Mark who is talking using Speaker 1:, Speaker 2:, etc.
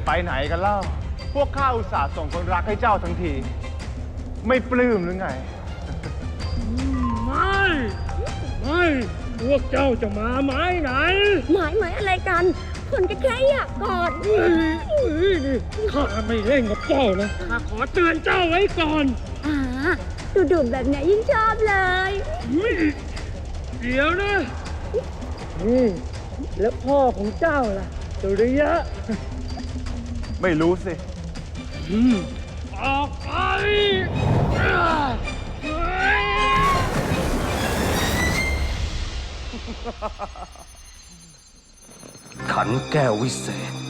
Speaker 1: ไปไหนกันเล่า พวกข้าอุตส่าห์ส่งคนรักให้เจ้าทั้งที ไม่ปลื้มหรือไง
Speaker 2: ไม่พวกเจ้าจะมาไม้ไหน
Speaker 3: หมายอะไรกันคนก็แค่อยากกอด
Speaker 2: ข้าไม่เล่นกับเจ้านะข้าขอเตือนเจ้าไว้ก่อน
Speaker 3: ดูแบบไหนยิ่งชอบเลย
Speaker 2: เดี๋ยวนะแล้วพ่อของเจ้าล่ะสุริยะ
Speaker 1: ไม่รู้สิ
Speaker 2: ออกไป
Speaker 4: ขันแก้ววิเศษ